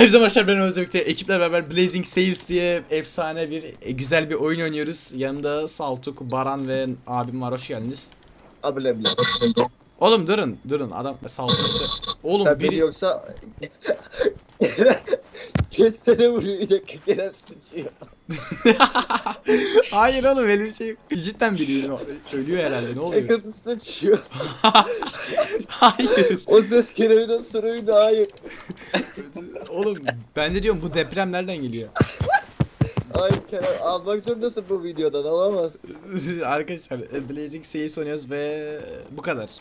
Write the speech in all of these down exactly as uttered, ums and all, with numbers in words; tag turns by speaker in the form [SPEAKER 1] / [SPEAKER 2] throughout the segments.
[SPEAKER 1] Hepsi arkadaşlar, ben Özbek'te ekiple beraber Blazing Sails diye efsane bir e, güzel bir oyun oynuyoruz. Yanımda Saltuk, Baran ve abim var, hoş geldiniz.
[SPEAKER 2] Abile bile.
[SPEAKER 1] Oğlum durun durun adam Saltuk. Oğlum
[SPEAKER 2] Sen
[SPEAKER 1] biri
[SPEAKER 2] beni yoksa kestene vuruyor, bir dakika Kerem sıçıyor.
[SPEAKER 1] hayır oğlum öyle bir şey yok. Cidden biri ölüyor herhalde, ne oluyor?
[SPEAKER 2] Şakası sıçıyor.
[SPEAKER 1] Hayır.
[SPEAKER 2] O ses Kerem'den soruydu, hayır.
[SPEAKER 1] Oğlum ben de diyorum bu deprem nereden geliyor?
[SPEAKER 2] Hayır Kerem, almak zorundasın bu videodan, alamazsın.
[SPEAKER 1] Arkadaşlar Blazing Sails oynuyoruz ve bu kadar.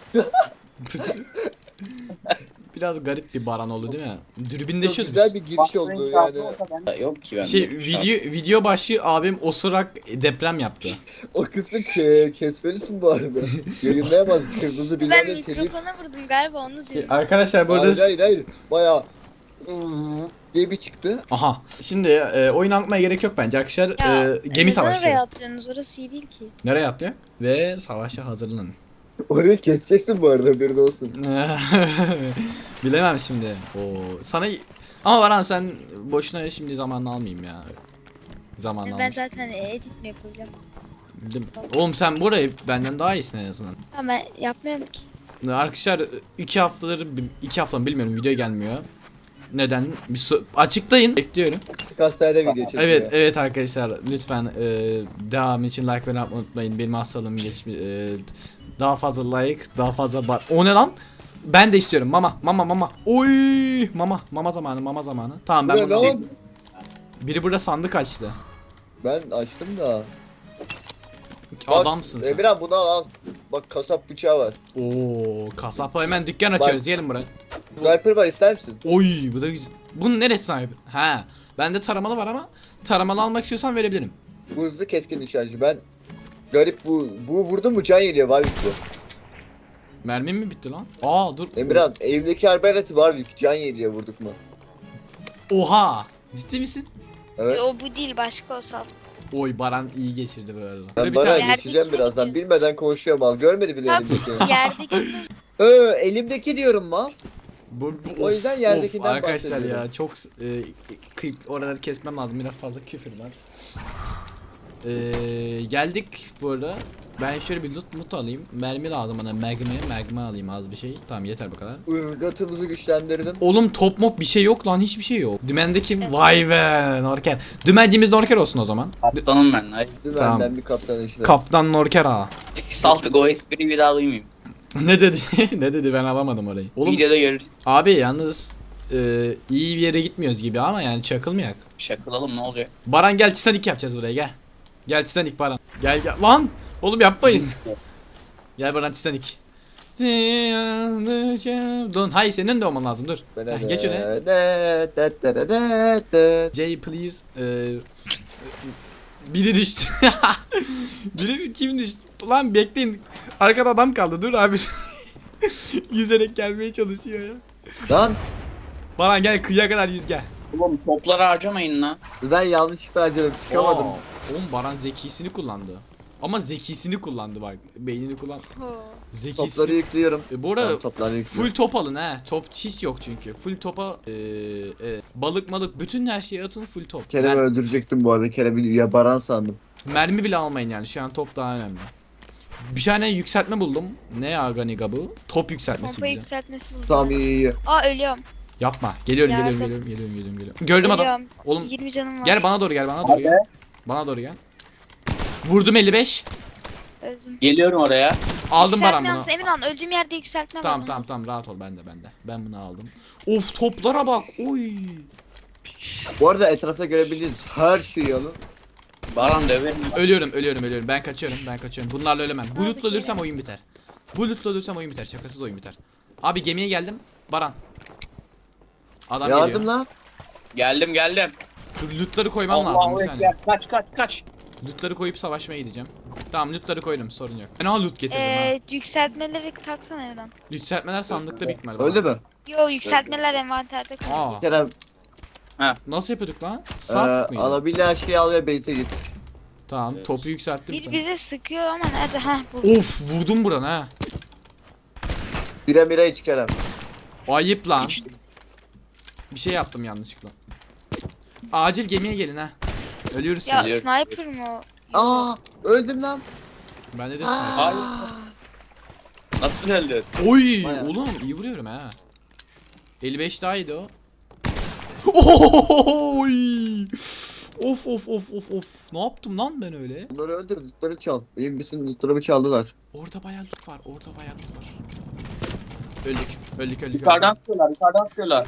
[SPEAKER 1] Biraz garip bir Baran oldu değil mi?
[SPEAKER 2] Çok
[SPEAKER 1] Dürbünleşiyoruz
[SPEAKER 2] güzel
[SPEAKER 1] biz.
[SPEAKER 2] bir giriş oldu yani.
[SPEAKER 3] Yok ki ben.
[SPEAKER 1] Şey video video başı abim osurak deprem yaptı.
[SPEAKER 2] O kısmı ke kesmelisin bu arada. Yayınlayamaz, kırmızı
[SPEAKER 4] Ben
[SPEAKER 2] bilmem ne telif.
[SPEAKER 4] mikrofona vurdum galiba, onu
[SPEAKER 1] Şey,
[SPEAKER 4] diyorum.
[SPEAKER 1] arkadaşlar burada
[SPEAKER 2] Hayır hayır hayır. Bayağı diye bir çıktı.
[SPEAKER 1] aha şimdi e, oyun anlatmaya gerek yok bence arkadaşlar.
[SPEAKER 4] Ya,
[SPEAKER 1] E, gemi
[SPEAKER 4] neden oraya
[SPEAKER 1] savaşı.
[SPEAKER 4] atlıyorsunuz? Orası iyi değil ki.
[SPEAKER 1] Nereye atlıyor? Ve savaşa hazırlanın.
[SPEAKER 2] Orayı keseceksin bu arada, bir de olsun.
[SPEAKER 1] Bilemem şimdi. Oo, sana ama Baran sen boşuna şimdi zamanını almayayım ya. Zamanını
[SPEAKER 4] Ben
[SPEAKER 1] almış.
[SPEAKER 4] zaten edit mi yapacağım?
[SPEAKER 1] Bildim. Oğlum sen burayı benden daha iyisin en azından.
[SPEAKER 4] Ama ben yapmıyorum ki.
[SPEAKER 1] Arkadaşlar iki haftadır iki hafta mı bilmiyorum video gelmiyor. Neden? Bir so- açıklayın. Bekliyorum.
[SPEAKER 2] Hastanede video çekiyor.
[SPEAKER 1] Evet evet arkadaşlar lütfen e, devam için like ve atmayı unutmayın. Benim hastalığım geçmiş. E, daha fazla like, daha fazla bar. O ne lan? Ben de istiyorum. Mama, mama, mama. Oy, mama, mama zamanı, mama zamanı. Tamam ben
[SPEAKER 2] Bu ne
[SPEAKER 1] bunu.
[SPEAKER 2] lan?
[SPEAKER 1] Biri burada sandık açtı.
[SPEAKER 2] Ben açtım da.
[SPEAKER 1] Adamsın sen.
[SPEAKER 2] Emirhan bunu al al. Bak kasap bıçağı var.
[SPEAKER 1] Oo, kasapa hemen dükkan açıyoruz. Gelin buraya.
[SPEAKER 2] Sniper var, ister misin?
[SPEAKER 1] Oy, bu da güzel. Bunun neresi sahibi? Ha, bende taramalı var ama taramalı almak istiyorsan verebilirim.
[SPEAKER 2] Bu hızlı keskin nişancı. Ben garip bu bu vurdum mu can geliyor var bu.
[SPEAKER 1] Mermim mi bitti lan? Aa dur.
[SPEAKER 2] Emirhan evdeki arbaleti var büyük, can geliyor vurduk mu?
[SPEAKER 1] Oha. Ciddi misin?
[SPEAKER 2] Evet.
[SPEAKER 4] O bu değil, başka o saltuk.
[SPEAKER 1] Oy Baran iyi geçirdi bu arada.
[SPEAKER 2] Ben
[SPEAKER 1] Böyle bir
[SPEAKER 2] bana
[SPEAKER 1] tane...
[SPEAKER 4] Yerdeki
[SPEAKER 2] geçeceğim
[SPEAKER 4] mi
[SPEAKER 2] birazdan.
[SPEAKER 4] diyorsun?
[SPEAKER 2] Bilmeden konuşuyorum al. Görmedi bile
[SPEAKER 4] Ha,
[SPEAKER 2] elimdeki.
[SPEAKER 4] Yerdeki
[SPEAKER 2] Ee, elimdeki diyorum mal.
[SPEAKER 1] Bu, bu,
[SPEAKER 2] O yüzden yerdekinden
[SPEAKER 1] arkadaşlar
[SPEAKER 2] bahsediyorum.
[SPEAKER 1] ya çok e, kıyıp oraları kesmem lazım, biraz fazla küfür var. E, geldik bu arada. Ben şöyle bir loot mut alayım. Mermi lazım bana, mermi, mermi alayım az bir şey. Tamam yeter bu kadar.
[SPEAKER 2] Irgatımızı güçlendirdim.
[SPEAKER 1] Oğlum top mop bir şey yok lan, hiçbir şey yok. Dümende kim? Vay be Norker. Dümenciğimiz Norker olsun o zaman.
[SPEAKER 3] Kaptanım ben. Ay.
[SPEAKER 2] Dümenden
[SPEAKER 1] Tamam.
[SPEAKER 2] bir kaptan işte.
[SPEAKER 1] Kaptan Norker ha.
[SPEAKER 3] Saltık o espriyi bir daha duymayayım.
[SPEAKER 1] Ne dedi? Ne dedi, ben alamadım orayı. Oğlum
[SPEAKER 3] Videoda görürüz.
[SPEAKER 1] abi yalnız e, iyi bir yere gitmiyoruz gibi ama yani çakılmayak.
[SPEAKER 3] Şakılalım ne olacak?
[SPEAKER 1] Baran gel, Titanic yapacağız buraya, gel. Gel Titanic Baran. Gel gel. Lan! Oğlum yapmayın. Gel Baran Titanic. Dur, hayır senin de olman lazım, dur. Heh, geç öne. Jay please. Ee, biri düştü. Biri kim düştü? Lan bekleyin. Arkada adam kaldı. Dur abi. Yüzerek gelmeye çalışıyor ya.
[SPEAKER 2] Lan
[SPEAKER 1] Baran gel, kıyıya kadar yüz gel.
[SPEAKER 3] Oğlum topları harcamayın lan.
[SPEAKER 2] ben yanlışlıkla harcadım, çıkamadım.
[SPEAKER 1] Oo. Oğlum Baran zekisini kullandı. Ama zekisini kullandı bak. Beynini kullan.
[SPEAKER 4] Ho.
[SPEAKER 1] Zekisi.
[SPEAKER 2] Topları yüklüyorum.
[SPEAKER 1] E, bu arada
[SPEAKER 2] Tamam, topları yüklüyorum.
[SPEAKER 1] full top alın he. Top hiç yok çünkü. Full topa e, e, balık malık bütün her şeyi atın, full top.
[SPEAKER 2] Kerem'i
[SPEAKER 1] Mer-
[SPEAKER 2] öldürecektim bu arada. Kerem'i ya Baran sandım.
[SPEAKER 1] mermi bile almayın yani. Şu an top daha önemli. Bir tane yükseltme buldum. Ne ya Ganiga bu? Top yükseltmesi
[SPEAKER 4] Pompa
[SPEAKER 1] gibi.
[SPEAKER 4] yükseltmesi buldum.
[SPEAKER 2] Tamam iyi iyi.
[SPEAKER 4] Aa, ölüyorum.
[SPEAKER 1] Yapma. Geliyorum
[SPEAKER 4] Yardım.
[SPEAKER 1] geliyorum geliyorum geliyorum geliyorum geliyorum. Gördüm adam.
[SPEAKER 4] Ölüyorum.
[SPEAKER 1] Oğlum
[SPEAKER 4] yirmi canım var.
[SPEAKER 1] gel bana doğru, gel bana doğru
[SPEAKER 3] Hadi.
[SPEAKER 1] gel. Bana doğru gel. Vurdum elli beş.
[SPEAKER 4] Öldüm.
[SPEAKER 3] Geliyorum oraya.
[SPEAKER 1] Aldım Baran
[SPEAKER 4] Yükseltme
[SPEAKER 1] bunu.
[SPEAKER 4] yalnız Emirhan, öldüğüm yerde yükseltme var.
[SPEAKER 1] Tamam
[SPEAKER 4] onun.
[SPEAKER 1] tamam tamam, rahat ol, bende bende. Ben bunu aldım. Of toplara bak. Oy.
[SPEAKER 2] Bu arada etrafta görebildiğiniz her şeyi alın.
[SPEAKER 3] Baran döverim.
[SPEAKER 1] Ölüyorum ölüyorum ölüyorum. Ben kaçıyorum ben kaçıyorum. Bunlarla ölemem. Bu
[SPEAKER 4] Abi,
[SPEAKER 1] lootla ölürsem
[SPEAKER 4] gel.
[SPEAKER 1] oyun biter. Bu lootla ölürsem oyun biter. Şakasız oyun biter. Abi gemiye geldim. Baran. Adam
[SPEAKER 2] Yardım
[SPEAKER 1] geliyor.
[SPEAKER 2] lan.
[SPEAKER 3] Geldim geldim.
[SPEAKER 1] Dur, lootları koymam lazım
[SPEAKER 3] Allahu
[SPEAKER 1] bir saniye.
[SPEAKER 3] ekber. Kaç kaç kaç.
[SPEAKER 1] Lootları koyup savaşmaya gideceğim. Tamam lootları koydum, sorun yok. Ben o loot getirdim ha.
[SPEAKER 4] Ee, yükseltmeleri taksana Emirhan.
[SPEAKER 1] Yükseltmeler sandıkta büyük ihtimal.
[SPEAKER 2] Öldü mü?
[SPEAKER 4] Yo, yükseltmeler envanterde kalıyor.
[SPEAKER 1] Aa,
[SPEAKER 2] Kerem
[SPEAKER 1] nasıl yapıyorduk lan? Sağ
[SPEAKER 2] e,
[SPEAKER 1] tık mıydı?
[SPEAKER 2] alabildiğin her şeyi al ve base'e git.
[SPEAKER 1] Tamam
[SPEAKER 3] Evet.
[SPEAKER 1] topu yükselttim.
[SPEAKER 4] Bir
[SPEAKER 1] tamam.
[SPEAKER 4] bize sıkıyor ama nerede? Heh, bu.
[SPEAKER 1] Of vurdum buran ha.
[SPEAKER 2] Bire mire iç Kerem.
[SPEAKER 1] Ayıp lan.
[SPEAKER 3] İçtim.
[SPEAKER 1] Bir şey yaptım yanlışlıkla. Acil gemiye gelin ha. Ölüyoruz
[SPEAKER 4] Ya
[SPEAKER 1] şimdi.
[SPEAKER 4] sniper mı o?
[SPEAKER 2] Aa öldüm lan.
[SPEAKER 1] Bende de
[SPEAKER 2] Aa.
[SPEAKER 1] sniper.
[SPEAKER 3] Hayır. Nasıl öldün?
[SPEAKER 1] Oy
[SPEAKER 2] Bayağı.
[SPEAKER 1] oğlum iyi vuruyorum ha. elli beş daha iyiydi o. Oy. Of of of of of. Ne yaptım lan ben öyle?
[SPEAKER 2] Bunları öldür, lootları çal. Benim bütün lootlarımı çaldılar.
[SPEAKER 1] Orada bayağı loot var. Orada bayağı loot var. Öldük. Öldük öldük.
[SPEAKER 3] Yukarıdan
[SPEAKER 1] öldük.
[SPEAKER 3] sıkıyorlar, yukarıdan sıkıyorlar.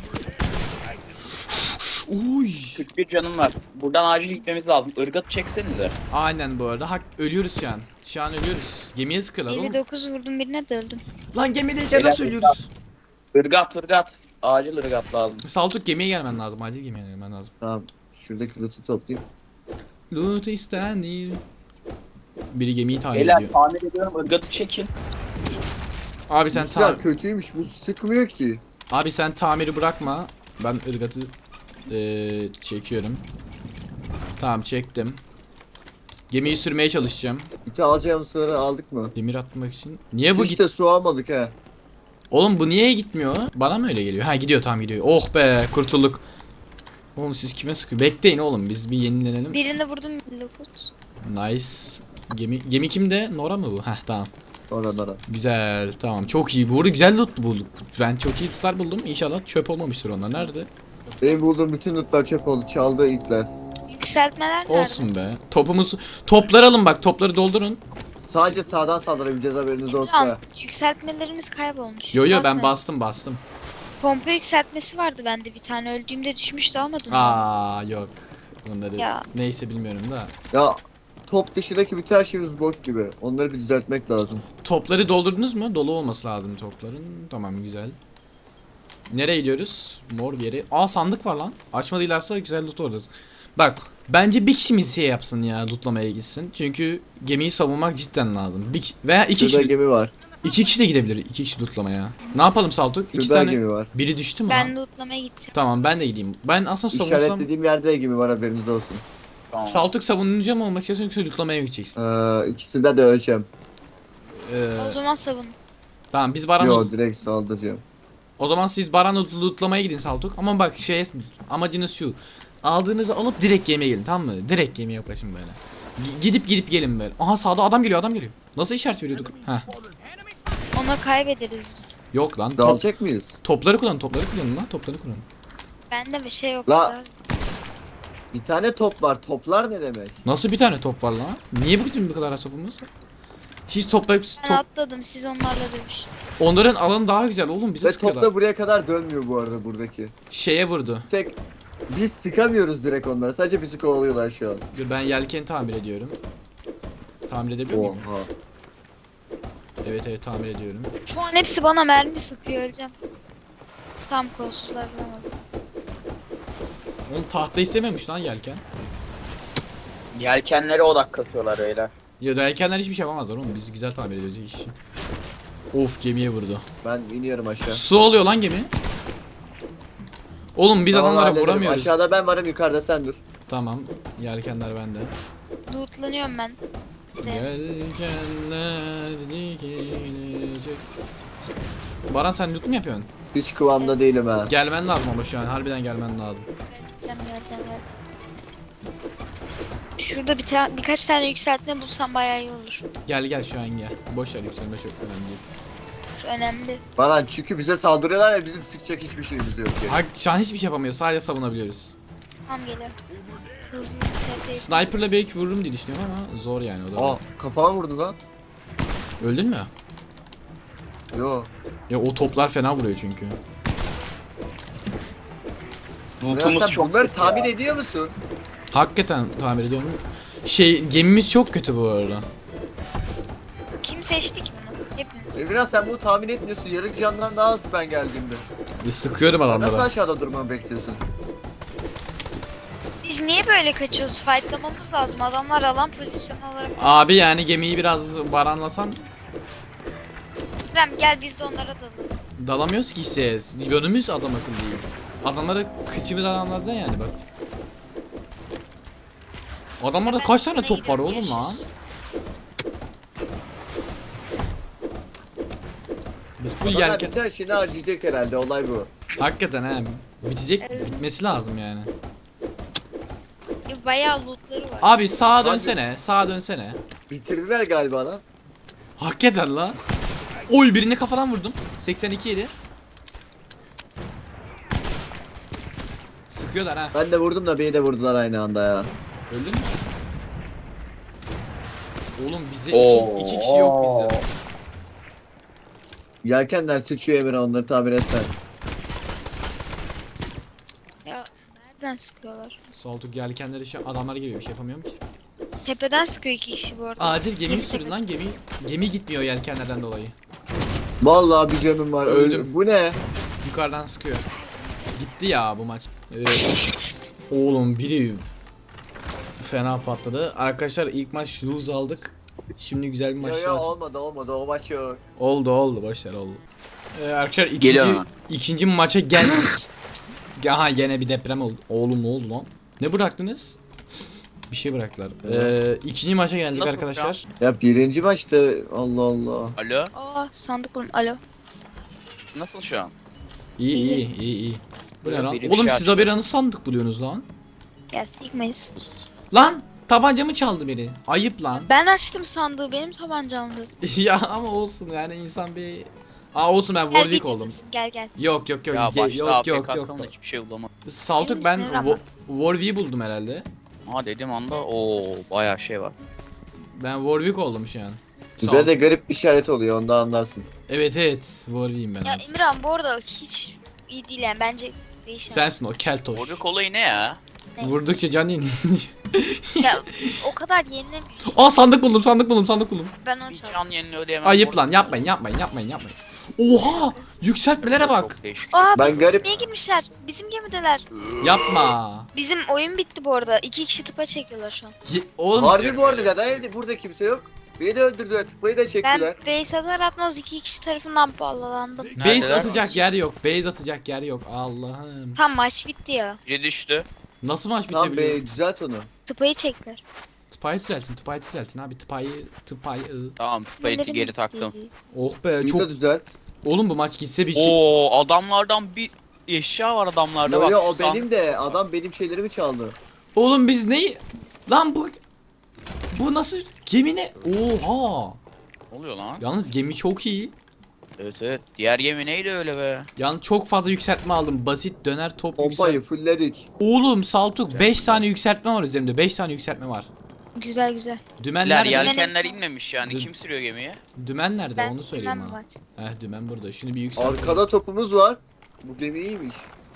[SPEAKER 1] Uy.
[SPEAKER 3] kırk bir canım var. Buradan acil gitmemiz lazım. Irgatı çeksenize.
[SPEAKER 1] Aynen bu arada. Hak ölüyoruz şu an. Şu an ölüyoruz. Gemiye sıkıyorlar oğlum.
[SPEAKER 4] elli dokuz vurdum birine de öldüm.
[SPEAKER 1] Lan gemideyken nasıl
[SPEAKER 3] Beyler,
[SPEAKER 1] ölüyoruz?
[SPEAKER 3] Irgat, ırgat. Acil ırgat lazım.
[SPEAKER 1] Saltuk gemiye gelmen lazım. Acil gemiye gelmen lazım.
[SPEAKER 2] Tamam. Şuradaki loot'u toplayayım.
[SPEAKER 1] Loot istenir. Biri gemiyi tamir
[SPEAKER 3] Beyler
[SPEAKER 1] ediyor.
[SPEAKER 3] tamir ediyorum, ırgatı çekin.
[SPEAKER 1] Abi sen
[SPEAKER 2] Bu silah
[SPEAKER 1] tam
[SPEAKER 2] kötüymüş. Bu sıkmıyor ki.
[SPEAKER 1] Abi sen tamiri bırakma. Ben ırgatı eee, çekiyorum. Tamam çektim. Gemiyi sürmeye çalışacağım.
[SPEAKER 2] İti alacağım sırada aldık mı?
[SPEAKER 1] Demir atmak için. Niye bu
[SPEAKER 2] Hiç
[SPEAKER 1] git?
[SPEAKER 2] de su almadık he.
[SPEAKER 1] Oğlum bu niye gitmiyor? Bana mı öyle geliyor? Ha gidiyor tamam gidiyor. Oh be kurtulduk. Oğlum siz kime sıkıyor? Bekleyin oğlum biz bir yenilenelim.
[SPEAKER 4] Birine vurdum elli dokuz.
[SPEAKER 1] Nice. Gemi gemi kimde? Nora mı bu? Heh tamam.
[SPEAKER 2] Oralara.
[SPEAKER 1] Güzel tamam çok iyi. Bu arada güzel loot bulduk. Ben çok iyi lootlar buldum. İnşallah çöp olmamıştır onlar. Nerede?
[SPEAKER 2] Benim bulduğum bütün lootlar çöp oldu. Çaldı itler.
[SPEAKER 4] Yükseltmeler nerede?
[SPEAKER 1] Olsun be. Topumuz topları alın bak topları doldurun.
[SPEAKER 2] Sadece sağdan saldırabileceğiz haberiniz olsun
[SPEAKER 4] Tamam,
[SPEAKER 2] ha.
[SPEAKER 4] yükseltmelerimiz kaybolmuş.
[SPEAKER 1] Yo yo ben
[SPEAKER 4] Basmayın.
[SPEAKER 1] bastım bastım.
[SPEAKER 4] Pompa yükseltmesi vardı bende bir tane. Öldüğümde düşmüştü almadım.
[SPEAKER 1] Aa yok. Bunları
[SPEAKER 4] Ya.
[SPEAKER 1] neyse bilmiyorum da.
[SPEAKER 2] Ya top dışındaki bütün her şeyimiz bok gibi. Onları bir düzeltmek lazım.
[SPEAKER 1] Topları doldurdunuz mu? Dolu olması lazım topların. Tamam güzel. Nereye gidiyoruz? Mor bir yere. Aa sandık var lan. Açmadıylarsa güzel loot orada. Bak bence bir kişimiz şey yapsın ya lootlamaya gitsin. Çünkü gemiyi savunmak cidden lazım. Bir, ki- veya iki
[SPEAKER 2] Şurada
[SPEAKER 1] kişi,
[SPEAKER 2] gemi var.
[SPEAKER 1] iki kişi de gidebilir. İki kişi lootlamaya. Ne yapalım Saltuk? İki
[SPEAKER 2] Şurada
[SPEAKER 1] tane.
[SPEAKER 2] gemi var.
[SPEAKER 1] Biri düştü mü
[SPEAKER 4] Ben
[SPEAKER 1] lan?
[SPEAKER 4] lootlamaya gideceğim.
[SPEAKER 1] Tamam ben de gideyim. Ben aslında savunsam.
[SPEAKER 2] İşaretlediğim yerde de gemi var haberiniz olsun.
[SPEAKER 3] Tamam.
[SPEAKER 1] Saltuk savunucu mu olmak istiyorsun yoksa lootlamaya mı gideceksin?
[SPEAKER 2] Ee, ikisinde de öleceğim.
[SPEAKER 1] Ee,
[SPEAKER 4] O zaman savun.
[SPEAKER 1] tamam biz Baran
[SPEAKER 2] Yo direkt saldıracağım.
[SPEAKER 1] O zaman siz Baran'ı lootlamaya gidin Saltuk. Ama bak şey amacınız şu. Aldığınızı alıp direkt gemiye gelin tamam mı? Direkt gemiye yaklaşın böyle. G- gidip gidip gelin böyle. Aha sağda adam geliyor adam geliyor. Nasıl işaret veriyorduk? Heh.
[SPEAKER 4] Ona kaybederiz biz.
[SPEAKER 1] Yok lan. Top,
[SPEAKER 2] Dalacak mıyız?
[SPEAKER 1] topları kullan topları kullanın lan topları kullanın.
[SPEAKER 4] Bende bir şey yok.
[SPEAKER 2] La-
[SPEAKER 4] işte.
[SPEAKER 2] Bir tane top var. Toplar ne demek?
[SPEAKER 1] Nasıl bir tane top var lan? Niye bu bu kadar az topumuz? Hiç toplayıp
[SPEAKER 4] Ben
[SPEAKER 1] top...
[SPEAKER 4] atladım siz onlarla dövüş.
[SPEAKER 1] Onların alanı daha güzel oğlum bize
[SPEAKER 2] Ve top
[SPEAKER 1] sıkıyorlar.
[SPEAKER 2] da buraya kadar dönmüyor bu arada buradaki.
[SPEAKER 1] Şeye vurdu.
[SPEAKER 2] Tek biz sıkamıyoruz direkt onlara. Sadece bizi kovalıyorlar şu an.
[SPEAKER 1] Dur ben yelkeni tamir ediyorum. Tamir edebiliyor muyum?
[SPEAKER 2] Oha.
[SPEAKER 1] Evet evet tamir ediyorum.
[SPEAKER 4] Şu an hepsi bana mermi sıkıyor öleceğim. Tam kolsuzlar bulamadım.
[SPEAKER 1] Oğlum tahta istememiş lan yelken.
[SPEAKER 3] Yelkenlere odak katıyorlar beyler.
[SPEAKER 1] Ya yelkenler hiçbir şey yapamazlar oğlum biz güzel tamir ediyoruz iki kişi. Of gemiye vurdu.
[SPEAKER 2] Ben iniyorum aşağı.
[SPEAKER 1] Su oluyor lan gemi. Oğlum biz
[SPEAKER 2] Tamam,
[SPEAKER 1] adamlara
[SPEAKER 2] hallederim.
[SPEAKER 1] vuramıyoruz.
[SPEAKER 2] Aşağıda ben varım, yukarıda sen dur.
[SPEAKER 1] Tamam. Yelkenler bende.
[SPEAKER 4] Lootlanıyorum ben. De.
[SPEAKER 1] Yelkenler dikilecek. Baran sen loot mu yapıyorsun?
[SPEAKER 2] Hiç kıvamda değilim ha.
[SPEAKER 1] Gelmen lazım ama şu an harbiden gelmen lazım.
[SPEAKER 4] Geleceğim geleceğim geleceğim. Şurada bir ta birkaç tane yükseltme bulsam bayağı iyi olur.
[SPEAKER 1] Gel gel şu an gel. Boş ver yükselme çok önemli değil.
[SPEAKER 4] Şu önemli.
[SPEAKER 2] Baran çünkü bize saldırıyorlar ya bizim sıkacak hiçbir şeyimiz yok. Yani.
[SPEAKER 1] Ha, şu an hiçbir şey yapamıyor sadece savunabiliyoruz.
[SPEAKER 4] Tamam geliyor. Hızlı tepe.
[SPEAKER 1] Sniper'la belki vururum diye düşünüyorum ama zor yani o da.
[SPEAKER 2] Aa kafama vurdu lan.
[SPEAKER 1] Öldün mü?
[SPEAKER 2] Yo.
[SPEAKER 1] Ya o toplar fena vuruyor çünkü.
[SPEAKER 3] Lootumuz
[SPEAKER 2] Sen
[SPEAKER 3] çok
[SPEAKER 2] bunları
[SPEAKER 3] kötü
[SPEAKER 2] tahmin
[SPEAKER 3] ya.
[SPEAKER 2] ediyor musun?
[SPEAKER 1] Hakikaten tamir ediyorum. Şey gemimiz çok kötü bu arada.
[SPEAKER 4] Kim seçti ki bunu? Hepimiz.
[SPEAKER 2] Emirhan sen bunu tahmin etmiyorsun. Yarı candan daha hızlı ben geldiğimde.
[SPEAKER 1] Bir sıkıyorum
[SPEAKER 2] Nasıl
[SPEAKER 1] adamlara.
[SPEAKER 2] aşağıda durmamı bekliyorsun?
[SPEAKER 4] Biz niye böyle kaçıyoruz? Fightlamamız lazım. Adamlar alan pozisyonu olarak.
[SPEAKER 1] Abi yani gemiyi biraz baranlasan
[SPEAKER 4] Rem gel biz de onlara dalalım.
[SPEAKER 1] dalamıyoruz ki işte. Yönümüz adam akıllı değil. Adamlara kıçımız adamlardan yani bak. Adamlarda
[SPEAKER 4] Ben
[SPEAKER 1] kaç tane
[SPEAKER 4] sana
[SPEAKER 1] top var
[SPEAKER 4] gidiyorum,
[SPEAKER 1] oğlum lan?
[SPEAKER 4] görüşürüz.
[SPEAKER 1] Biz full
[SPEAKER 2] Adamlar
[SPEAKER 1] yelken.
[SPEAKER 2] bütün şeyini harcayacak herhalde olay bu.
[SPEAKER 1] Hakikaten he. Bitecek,
[SPEAKER 4] Evet.
[SPEAKER 1] bitmesi lazım yani.
[SPEAKER 4] Bayağı lootları var.
[SPEAKER 1] Abi sağa
[SPEAKER 2] Abi-
[SPEAKER 1] dönsene, sağa dönsene.
[SPEAKER 2] Bitirdiler galiba lan.
[SPEAKER 1] Hakikaten la. Oy birini kafadan vurdum. seksen iki yedi. Sıkıyorlar ha.
[SPEAKER 2] Ben de vurdum da beni de vurdular aynı anda ya.
[SPEAKER 1] Öldün mü? Oğlum bize
[SPEAKER 3] Oo.
[SPEAKER 1] iki, iki kişi yok bizde.
[SPEAKER 2] Yelkenler sıçıyor Emre, onları tamir etsen.
[SPEAKER 4] Ya nereden sıkıyorlar?
[SPEAKER 1] Saltuk yelkenleri şu an adamlar geliyor, bir şey yapamıyorum ki.
[SPEAKER 4] Tepeden sıkıyor iki kişi bu arada.
[SPEAKER 1] Acil gemi
[SPEAKER 4] Gemi
[SPEAKER 1] sürün lan,
[SPEAKER 4] tepesi.
[SPEAKER 1] gemi. Gemi gitmiyor yelkenlerden dolayı.
[SPEAKER 2] Vallahi bir canım var.
[SPEAKER 1] Öldüm.
[SPEAKER 2] Öldüm. Bu ne?
[SPEAKER 1] Yukarıdan sıkıyor. Gitti ya bu maç. Evet. Oğlum biri fena patladı. Arkadaşlar ilk maç lose aldık. Şimdi güzel bir maç
[SPEAKER 2] Ya ya
[SPEAKER 1] var.
[SPEAKER 2] olmadı olmadı o maç yok.
[SPEAKER 1] Oldu oldu boşver oldu. Ee, arkadaşlar ikinci
[SPEAKER 3] Geliyor.
[SPEAKER 1] ikinci maça geldik. Aha gene bir deprem oldu. Oğlum ne oldu lan? Ne bıraktınız? Bir şey bıraktılar. Ee, ikinci maça geldik
[SPEAKER 3] Nasıl
[SPEAKER 1] arkadaşlar.
[SPEAKER 2] Ya birinci maçta Allah Allah.
[SPEAKER 3] Alo.
[SPEAKER 4] Aa sandık buldum. Alo.
[SPEAKER 3] Nasıl şu an?
[SPEAKER 1] İyi iyi iyi iyi. Bu ne
[SPEAKER 3] Böyle
[SPEAKER 1] lan?
[SPEAKER 3] biri bir
[SPEAKER 1] Oğlum
[SPEAKER 3] şey
[SPEAKER 1] siz
[SPEAKER 3] açıyor.
[SPEAKER 1] haberanız sandık buluyorsunuz lan.
[SPEAKER 4] Ya sikmeyiz.
[SPEAKER 1] Lan tabancamı çaldı biri. Ayıp lan.
[SPEAKER 4] Ben açtım sandığı benim tabancamdı.
[SPEAKER 1] Ya ama olsun yani insan bir... Aa olsun ben
[SPEAKER 4] Gel
[SPEAKER 1] Warwick
[SPEAKER 4] bir
[SPEAKER 1] oldum.
[SPEAKER 4] gitsin, Gel gel.
[SPEAKER 1] Yok yok yok
[SPEAKER 3] Ya
[SPEAKER 1] ge-
[SPEAKER 3] başta
[SPEAKER 1] yok
[SPEAKER 3] A F K
[SPEAKER 1] yok yok.
[SPEAKER 3] kalmadı, hiçbir şey bulamadım.
[SPEAKER 1] Saltuk
[SPEAKER 4] Benim
[SPEAKER 1] ben
[SPEAKER 4] işine yaramaz.
[SPEAKER 1] Wo- Warwick'i buldum herhalde.
[SPEAKER 3] Ha dedim anda o bayağı şey var.
[SPEAKER 1] Ben Warwick oldum şu an.
[SPEAKER 2] Güzel de garip bir işaret oluyor, onda anlarsın.
[SPEAKER 1] Evet evet Warwick'im ben
[SPEAKER 4] Ya
[SPEAKER 1] artık.
[SPEAKER 4] İmran bu arada hiç iyi değil yani bence değişen.
[SPEAKER 1] Sensin o keltoş.
[SPEAKER 3] Warwick olayı ne ya?
[SPEAKER 4] Neyse.
[SPEAKER 1] Vurdukça can yenilince.
[SPEAKER 4] Ya o kadar yenilemiyor.
[SPEAKER 1] Aa sandık buldum sandık buldum sandık buldum.
[SPEAKER 4] Ben onu
[SPEAKER 3] Bir
[SPEAKER 4] çaldım.
[SPEAKER 3] can yenini ödeyemem.
[SPEAKER 1] Ayıp lan yapmayın yapmayın yapmayın yapmayın. Oha yükseltmelere bak.
[SPEAKER 3] Çok değişik.
[SPEAKER 4] Aa
[SPEAKER 2] Ben
[SPEAKER 4] bizim
[SPEAKER 2] garip-
[SPEAKER 4] gemiye girmişler. Bizim gemideler.
[SPEAKER 1] Yapma.
[SPEAKER 4] Bizim oyun bitti bu arada. İki kişi tıpa çekiyorlar şu an.
[SPEAKER 1] Ye- Oğlum
[SPEAKER 2] Harbi bu arada neden evde burada kimse yok? Beni de öldürdüler, tıpayı da
[SPEAKER 4] Ben
[SPEAKER 2] çektiler.
[SPEAKER 4] base atar atmaz iki kişi tarafından bağlandım.
[SPEAKER 1] base
[SPEAKER 3] Neredeler?
[SPEAKER 1] atacak yer yok. Base atacak yer yok. Allah'ım.
[SPEAKER 4] Tam maç bitti ya.
[SPEAKER 3] Biri düştü.
[SPEAKER 1] Nasıl maç
[SPEAKER 2] Tamam
[SPEAKER 1] bitebiliyor?
[SPEAKER 2] be, düzelt onu.
[SPEAKER 4] Tıpayı çektiler.
[SPEAKER 1] Tıpayı düzeltin, tıpayı düzeltin abi. Tıpayı, tıpayı.
[SPEAKER 3] Tamam tıpayeti
[SPEAKER 4] Nelerim
[SPEAKER 3] geri
[SPEAKER 4] bitti.
[SPEAKER 3] taktım.
[SPEAKER 1] Oh be
[SPEAKER 2] Bunu
[SPEAKER 1] çok.
[SPEAKER 2] da düzelt.
[SPEAKER 1] Oğlum bu maç gitse bir şey.
[SPEAKER 3] Oo adamlardan bir eşya var adamlarda
[SPEAKER 2] Yo
[SPEAKER 3] bak.
[SPEAKER 2] yo
[SPEAKER 3] şu
[SPEAKER 2] o
[SPEAKER 3] san-
[SPEAKER 2] benim de, adam benim şeylerimi çaldı.
[SPEAKER 1] Oğlum biz neyi? Lan bu... Bu nasıl gemi ne? Oha.
[SPEAKER 3] Ne oluyor lan?
[SPEAKER 1] Yalnız gemi çok iyi.
[SPEAKER 3] Evet evet. Diğer gemi neydi öyle be?
[SPEAKER 1] Yalnız çok fazla yükseltme aldım. Basit döner top
[SPEAKER 2] Pompayı
[SPEAKER 1] yüksel.
[SPEAKER 2] fullledik.
[SPEAKER 1] Oğlum Saltuk beş tane yükseltme var üzerimde. beş tane yükseltme var.
[SPEAKER 4] Güzel güzel.
[SPEAKER 1] Dümen
[SPEAKER 3] Diğer
[SPEAKER 1] nerede?
[SPEAKER 3] yelkenler
[SPEAKER 4] Benim-
[SPEAKER 3] inmemiş yani.
[SPEAKER 1] Dün-
[SPEAKER 3] Kim sürüyor gemiyi?
[SPEAKER 1] Dümen nerede?
[SPEAKER 4] Ben
[SPEAKER 1] Onu söyleyeyim
[SPEAKER 4] bilmem bu
[SPEAKER 1] bana.
[SPEAKER 4] maç.
[SPEAKER 1] Heh dümen burada. Şunu bir yükselt.
[SPEAKER 2] Arkada topumuz var. Bu gemi iyiymiş.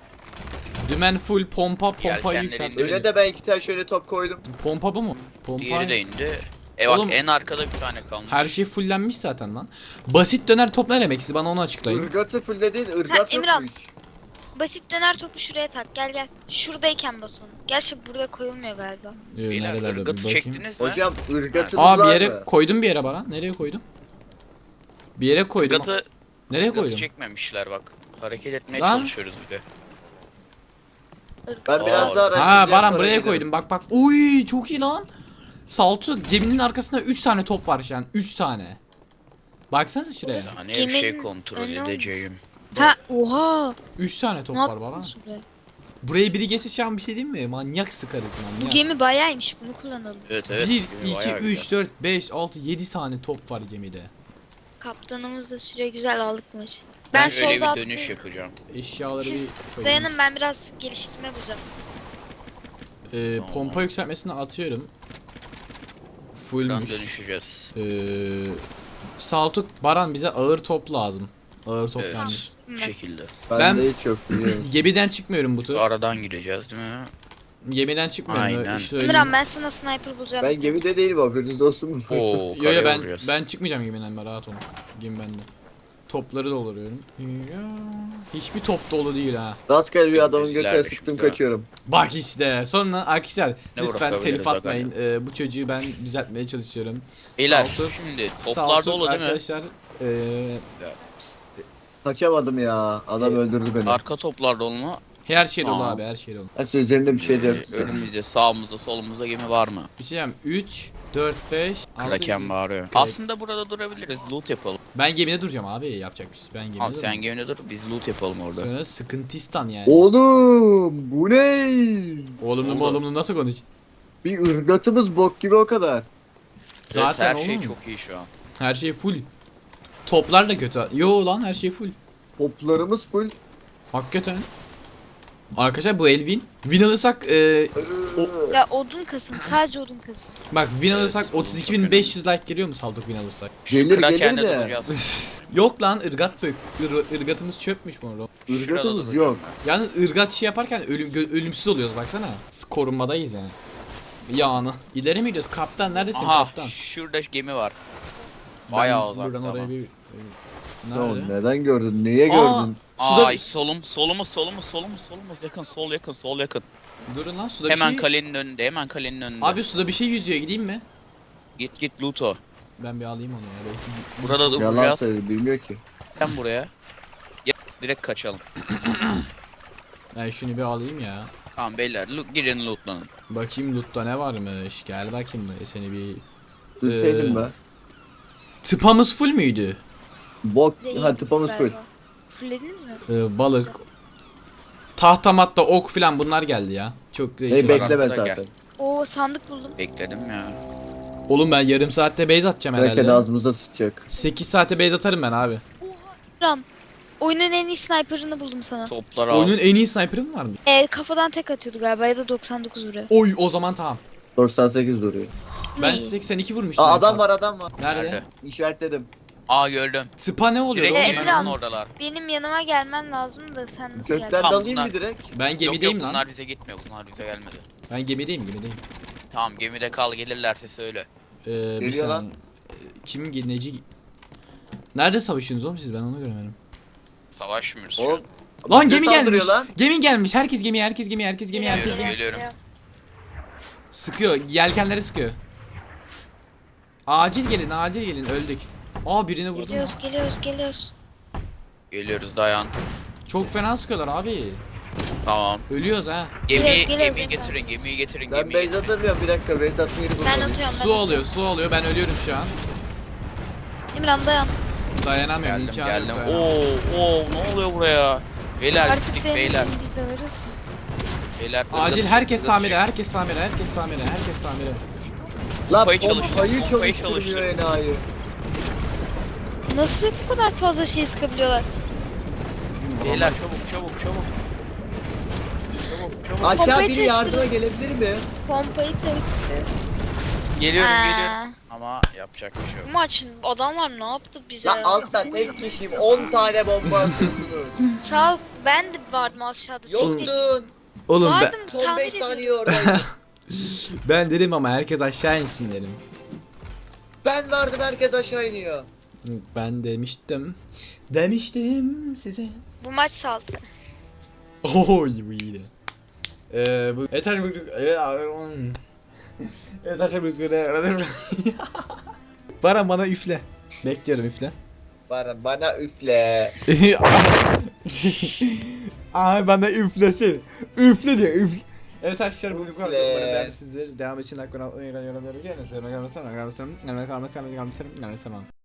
[SPEAKER 1] Dümen full pompa pompa
[SPEAKER 3] Yelkenleri
[SPEAKER 1] yükselt.
[SPEAKER 3] indir.
[SPEAKER 2] Öne de ben iki tane şöyle top koydum.
[SPEAKER 1] Pompa bu mu? Pompa.
[SPEAKER 3] Diğeri de indi. E bak
[SPEAKER 1] Oğlum-
[SPEAKER 3] en arkada bir tane kalmış.
[SPEAKER 1] Her şey fullenmiş zaten lan. Basit döner top ne demek? Siz bana onu açıklayın.
[SPEAKER 2] Irgatı fullledin, ırgat
[SPEAKER 4] Ha, Emirhan.
[SPEAKER 2] yokmuş.
[SPEAKER 4] Basit döner topu şuraya tak. Gel gel. Şuradayken bas onu. Gerçi burada koyulmuyor galiba.
[SPEAKER 1] Ee,
[SPEAKER 3] Beyler
[SPEAKER 1] nerelerde bir
[SPEAKER 3] ırgatı
[SPEAKER 1] bakayım.
[SPEAKER 3] çektiniz mi?
[SPEAKER 2] Hocam ırgatınız
[SPEAKER 1] Aa bir
[SPEAKER 2] var
[SPEAKER 1] yere
[SPEAKER 2] mı?
[SPEAKER 1] koydum bir yere bana. Nereye koydum? Bir yere koydum.
[SPEAKER 3] Irgatı,
[SPEAKER 1] Nereye
[SPEAKER 3] ırgatı
[SPEAKER 1] koydum?
[SPEAKER 3] çekmemişler bak. Hareket etmeye
[SPEAKER 1] Lan.
[SPEAKER 3] çalışıyoruz bir de.
[SPEAKER 2] Ben
[SPEAKER 3] Aa.
[SPEAKER 2] biraz daha
[SPEAKER 1] Ha
[SPEAKER 2] araştıracağım,
[SPEAKER 1] Baran
[SPEAKER 2] sonra
[SPEAKER 1] buraya
[SPEAKER 2] giderim.
[SPEAKER 1] koydum. Bak bak. Uy çok iyi lan. Saltu geminin arkasında üç tane top var şu an. üç tane. Baksanıza şuraya.
[SPEAKER 3] Hani bir şey
[SPEAKER 4] Geminin
[SPEAKER 3] kontrol
[SPEAKER 4] önü olmuş.
[SPEAKER 3] edeceğim.
[SPEAKER 4] Ha oha.
[SPEAKER 1] üç tane top
[SPEAKER 4] Ne
[SPEAKER 1] var Baran.
[SPEAKER 4] yapıyorsun be?
[SPEAKER 1] Buraya biri gelse şu an bir şey diyeyim mi? Manyak sıkarız
[SPEAKER 4] Bu
[SPEAKER 1] manyak.
[SPEAKER 4] gemi bayağıymış. Bunu kullanalım.
[SPEAKER 3] Evet evet.
[SPEAKER 1] bir,
[SPEAKER 3] gemi
[SPEAKER 1] iki,
[SPEAKER 3] bayağı
[SPEAKER 1] üç,
[SPEAKER 3] güzel.
[SPEAKER 1] dört, beş, altı, yedi tane top var gemide.
[SPEAKER 4] Kaptanımız da süre güzel aldık maçı.
[SPEAKER 3] Ben,
[SPEAKER 4] Ben
[SPEAKER 3] öyle
[SPEAKER 4] solda
[SPEAKER 3] bir dönüş
[SPEAKER 4] atlayayım.
[SPEAKER 3] yapacağım.
[SPEAKER 1] Eşyaları
[SPEAKER 4] Siz
[SPEAKER 1] bir koyayım.
[SPEAKER 4] Dayanın ben biraz geliştirme bulacağım.
[SPEAKER 1] Ee,
[SPEAKER 3] Tamam.
[SPEAKER 1] pompa yükseltmesini atıyorum.
[SPEAKER 3] Buradan
[SPEAKER 1] Fullmüş.
[SPEAKER 3] dönüşeceğiz.
[SPEAKER 1] Ee, Saltuk Baran bize ağır top lazım. Ağır top
[SPEAKER 3] Evet.
[SPEAKER 1] yalnız.
[SPEAKER 3] Bu şekilde.
[SPEAKER 2] Ben,
[SPEAKER 1] Ben-
[SPEAKER 2] de hiç yok biliyorum.
[SPEAKER 1] Gemiden çıkmıyorum bu tur.
[SPEAKER 3] Aradan gireceğiz değil mi?
[SPEAKER 1] Gemiden çıkmıyorum.
[SPEAKER 3] Aynen.
[SPEAKER 1] öyle söyleyeyim.
[SPEAKER 4] Emirhan ben sana sniper bulacağım.
[SPEAKER 2] Ben gemide değilim, haberiniz olsun.
[SPEAKER 3] Oo,
[SPEAKER 1] Yo yo
[SPEAKER 3] karaya
[SPEAKER 1] ben
[SPEAKER 3] vuruyoruz.
[SPEAKER 1] ben çıkmayacağım gemiden, ben rahat olun. Gemi bende. Topları dolduruyorum. Ya, hiçbir top dolu değil ha.
[SPEAKER 2] Rastgele bir adamın
[SPEAKER 3] Bizler
[SPEAKER 2] götüne
[SPEAKER 3] bir
[SPEAKER 2] sıktım
[SPEAKER 3] şey.
[SPEAKER 2] kaçıyorum.
[SPEAKER 1] Bak işte sonra arkadaşlar
[SPEAKER 3] Ne
[SPEAKER 1] lütfen
[SPEAKER 3] bırakabiliriz
[SPEAKER 1] telif
[SPEAKER 3] aga
[SPEAKER 1] atmayın. Ee, bu çocuğu ben düzeltmeye çalışıyorum.
[SPEAKER 3] Beyler
[SPEAKER 1] Saltuk-
[SPEAKER 3] şimdi toplar
[SPEAKER 1] Saltuk
[SPEAKER 3] dolu değil mi?
[SPEAKER 1] arkadaşlar ee,
[SPEAKER 2] Kaçamadım ya. Adam
[SPEAKER 1] Ee,
[SPEAKER 2] öldürdü beni.
[SPEAKER 3] Arka toplar dolu mu?
[SPEAKER 1] her şey dolu
[SPEAKER 3] Tamam.
[SPEAKER 1] abi, her şey dolu.
[SPEAKER 2] Aslında üzerinde bir şey de yok.
[SPEAKER 3] Ee, önümüzde, sağımızda, solumuzda gemi var mı?
[SPEAKER 1] Bir şey diyeyim. üç, dört, beş, altı,
[SPEAKER 3] Kraken bağırıyor. Aslında burada durabiliriz. Loot yapalım.
[SPEAKER 1] Ben gemide duracağım abi, yapacak bir şey. Ben gemide
[SPEAKER 3] Abi sen
[SPEAKER 1] duracağım.
[SPEAKER 3] gemide dur biz loot yapalım orada.
[SPEAKER 1] Sonra sıkıntistan yani.
[SPEAKER 2] Oğlum bu ne?
[SPEAKER 1] Oğlumlu mu
[SPEAKER 3] Oldu.
[SPEAKER 1] oğlumlu nasıl konuş?
[SPEAKER 2] Bir ırgatımız bok gibi o kadar.
[SPEAKER 1] Zaten
[SPEAKER 3] her
[SPEAKER 1] oğlum.
[SPEAKER 3] şey çok iyi şu an.
[SPEAKER 1] Her şey full. Toplar da kötü. Yo lan, her şey full.
[SPEAKER 2] Toplarımız full.
[SPEAKER 1] Hakikaten. Arkadaşlar bu el win. Win alırsak e,
[SPEAKER 4] Ya odun kasın. Sadece odun kasın.
[SPEAKER 1] bak win
[SPEAKER 3] Evet,
[SPEAKER 1] alırsak
[SPEAKER 3] bu
[SPEAKER 1] otuz iki
[SPEAKER 3] çok
[SPEAKER 1] bin beş yüz like geliyor mu Saldık win alırsak?
[SPEAKER 3] Şu
[SPEAKER 2] Gelir,
[SPEAKER 3] Kraken'de
[SPEAKER 2] gelir de.
[SPEAKER 3] duracağız.
[SPEAKER 1] Yok lan, ırgat dök. Ir, ırgatımız çöpmüş bu arada.
[SPEAKER 3] Şurada
[SPEAKER 2] Irgatımız
[SPEAKER 3] duracağım
[SPEAKER 2] yok.
[SPEAKER 3] ben.
[SPEAKER 1] Yani ırgat şey yaparken ölüm, gö- ölümsüz oluyoruz baksana. Biz korunmadayız yani. Yani. İleri mi gidiyoruz? Kaptan neredesin
[SPEAKER 3] Aha
[SPEAKER 1] kaptan?
[SPEAKER 3] şurada gemi var.
[SPEAKER 1] Ben
[SPEAKER 3] Bayağı uzakta
[SPEAKER 1] buradan oraya
[SPEAKER 3] ama.
[SPEAKER 1] bir...
[SPEAKER 2] Tamam,
[SPEAKER 1] Nerede?
[SPEAKER 2] neden gördün? Niye
[SPEAKER 1] Aa!
[SPEAKER 2] gördün?
[SPEAKER 1] Suda...
[SPEAKER 3] Ay solum solumuz solumuz solumuz solumuz yakın sol yakın sol yakın.
[SPEAKER 1] Durun lan, suda
[SPEAKER 3] Hemen
[SPEAKER 1] bir şey...
[SPEAKER 3] kalenin önünde hemen kalenin önünde.
[SPEAKER 1] Abi suda bir şey yüzüyor, gideyim mi?
[SPEAKER 3] Git git Luto.
[SPEAKER 1] Ben bir alayım onu ya belki.
[SPEAKER 3] Burada da
[SPEAKER 2] Yalan
[SPEAKER 3] duracağız.
[SPEAKER 2] söyledi, bilmiyor ki.
[SPEAKER 3] Sen buraya. Ya, direkt kaçalım.
[SPEAKER 1] Ben şunu bir alayım ya.
[SPEAKER 3] Tamam beyler loot, girin lootlanın.
[SPEAKER 1] Bakayım loot'ta ne varmış. Gel bakayım be seni bir...
[SPEAKER 2] Düşseydim
[SPEAKER 1] Ee,
[SPEAKER 2] be.
[SPEAKER 1] Tıpamız full müydü?
[SPEAKER 2] Bok,
[SPEAKER 4] Değil
[SPEAKER 2] ha tıpamız full.
[SPEAKER 4] galiba. Fullediniz mi?
[SPEAKER 1] Ee, balık, tahta matta, ok filan bunlar geldi ya. Çok
[SPEAKER 2] Hey
[SPEAKER 1] değişik.
[SPEAKER 3] bekle.
[SPEAKER 2] bekleme
[SPEAKER 3] Gel.
[SPEAKER 2] zaten.
[SPEAKER 4] Oo sandık buldum.
[SPEAKER 3] Bekledim ya.
[SPEAKER 1] Oğlum ben yarım saatte base atacağım
[SPEAKER 2] Kraken
[SPEAKER 1] herhalde.
[SPEAKER 2] ağzımıza sıçacak.
[SPEAKER 1] sekiz saate base atarım ben abi.
[SPEAKER 4] Ram. Oyunun en iyi sniper'ını buldum sana.
[SPEAKER 3] Toplar al.
[SPEAKER 1] Oyunun en iyi sniper'ı mı var mı?
[SPEAKER 4] Ee, kafadan tek atıyordu galiba ya da doksan dokuz vuruyor.
[SPEAKER 1] Oy, o zaman tamam.
[SPEAKER 2] doksan sekiz duruyor.
[SPEAKER 1] Ben
[SPEAKER 4] İyi.
[SPEAKER 1] seksen iki vurmuştum.
[SPEAKER 2] Aa
[SPEAKER 1] en
[SPEAKER 2] adam
[SPEAKER 1] fazla.
[SPEAKER 2] var adam var.
[SPEAKER 1] Nerede?
[SPEAKER 3] Nerede?
[SPEAKER 2] İşaretledim.
[SPEAKER 3] Aa gördüm.
[SPEAKER 1] Tıpa ne oluyor
[SPEAKER 3] Direkt
[SPEAKER 1] oğlum?
[SPEAKER 4] Emre
[SPEAKER 3] geminin
[SPEAKER 4] al.
[SPEAKER 3] oradalar.
[SPEAKER 4] Benim yanıma gelmen lazım da sen nasıl
[SPEAKER 2] Kökten
[SPEAKER 4] geldin?
[SPEAKER 3] Tamam,
[SPEAKER 2] dalayım
[SPEAKER 3] bunlar-
[SPEAKER 2] mı direkt?
[SPEAKER 1] Ben
[SPEAKER 3] Yok
[SPEAKER 1] gemideyim
[SPEAKER 3] yok
[SPEAKER 1] lan.
[SPEAKER 3] bunlar bize gitmiyor. Bunlar bize gelmedi.
[SPEAKER 1] Ben gemideyim gemideyim.
[SPEAKER 3] Tamam gemide kal gelirlerse söyle.
[SPEAKER 1] Ee, bir
[SPEAKER 2] Geliyor lan.
[SPEAKER 1] saniye. Ee, Kimin ge- neci? Nerede savaşıyorsunuz oğlum siz? Ben onu göremedim.
[SPEAKER 3] Savaşmıyoruz şu
[SPEAKER 2] Oğlum.
[SPEAKER 3] an.
[SPEAKER 1] Lan
[SPEAKER 2] bize
[SPEAKER 1] gemi
[SPEAKER 2] saldırıyor
[SPEAKER 1] gelmiş.
[SPEAKER 2] lan.
[SPEAKER 1] Gemi gelmiş. Herkes gemi, herkes gemi, herkes gemi,
[SPEAKER 3] Geliyorum,
[SPEAKER 1] herkes gemi.
[SPEAKER 3] geliyorum.
[SPEAKER 1] Sıkıyor. Yelkenleri sıkıyor. Acil gelin, acil gelin. Öldük. Aa, birini vurdum.
[SPEAKER 4] Geliyoruz geliyoruz geliyoruz.
[SPEAKER 3] Geliyoruz dayan.
[SPEAKER 1] Çok fena sıkıyorlar abi.
[SPEAKER 3] Tamam.
[SPEAKER 1] Ölüyoruz ha.
[SPEAKER 3] Gemiyi,
[SPEAKER 4] Geliyoruz, geliyoruz
[SPEAKER 3] gemiyi
[SPEAKER 4] Emre.
[SPEAKER 3] getirin, gemiyi getirin,
[SPEAKER 2] Ben
[SPEAKER 3] gemiyi
[SPEAKER 2] base
[SPEAKER 3] getirin.
[SPEAKER 2] atamıyorum bir dakika base atmayı
[SPEAKER 4] Ben
[SPEAKER 2] buldum.
[SPEAKER 4] atıyorum ben
[SPEAKER 1] Su alıyor, su alıyor. Ben ölüyorum şu an.
[SPEAKER 4] İmran dayan.
[SPEAKER 1] Dayanamıyorum.
[SPEAKER 3] Geldim,
[SPEAKER 1] imkanı yok,
[SPEAKER 3] geldim.
[SPEAKER 1] dayanamıyorum.
[SPEAKER 3] Oo, oo, ne oluyor buraya? Beyler
[SPEAKER 4] Artık
[SPEAKER 3] gittik beyler.
[SPEAKER 4] demişsin biz de varız.
[SPEAKER 3] Beyler.
[SPEAKER 1] Acil
[SPEAKER 3] ırgat-
[SPEAKER 1] herkes
[SPEAKER 3] ırgat
[SPEAKER 1] tamire,
[SPEAKER 3] çek.
[SPEAKER 1] herkes tamire, herkes tamire, herkes tamire.
[SPEAKER 2] Lan
[SPEAKER 3] Pompayı çalıştır,
[SPEAKER 2] pompayı
[SPEAKER 3] pompayı
[SPEAKER 2] çalıştırmıyor
[SPEAKER 3] çalıştır.
[SPEAKER 2] enayi.
[SPEAKER 4] Nasıl bu kadar fazla şey sıkabiliyorlar?
[SPEAKER 3] Beyler çabuk çabuk çabuk. Çabuk çabuk.
[SPEAKER 2] Aşağı
[SPEAKER 4] Pompayı
[SPEAKER 2] biri yardıma
[SPEAKER 4] çalıştırın.
[SPEAKER 2] gelebilir mi?
[SPEAKER 4] Pompayı çalıştı.
[SPEAKER 3] Geliyorum
[SPEAKER 4] Aa,
[SPEAKER 3] geliyorum. Ama yapacak bir şey yok.
[SPEAKER 4] Bu maçın adamlar ne yaptı bize?
[SPEAKER 2] Lan altta tek kişiyim on tane bomba atıyorsunuz.
[SPEAKER 4] Sağ ol, ben de vardım aşağıda. Tek tek.
[SPEAKER 2] Yoktun.
[SPEAKER 1] Oğlum ben,
[SPEAKER 4] Vardım
[SPEAKER 2] Son
[SPEAKER 4] tahmin
[SPEAKER 2] beş
[SPEAKER 4] ediyordum.
[SPEAKER 2] saniye oradaydım.
[SPEAKER 1] ben dedim ama herkes aşağı insin dedim.
[SPEAKER 2] Ben vardım herkes aşağı iniyor.
[SPEAKER 1] Ben demiştim. Demiştim size.
[SPEAKER 4] Bu maç saldı.
[SPEAKER 1] Oy bu iyiydi. Ee, bu yeter bu yeter bu Bana bana üfle. Bekliyorum üfle.
[SPEAKER 2] Bana, bana üfle.
[SPEAKER 1] Ay bana üflesin. Üfle diyor üfle. Evet arkadaşlar bugün bu kadar.
[SPEAKER 2] Üfle.
[SPEAKER 1] Umarım beğenmişsinizdir. Devam için like, abone olmayı, yorum yapmayı unutmayın. Görüşürüz. Görüşürüz. Görüşürüz. Görüşürüz. Görüşürüz. Görüşürüz. Görüşürüz. Görüşürüz.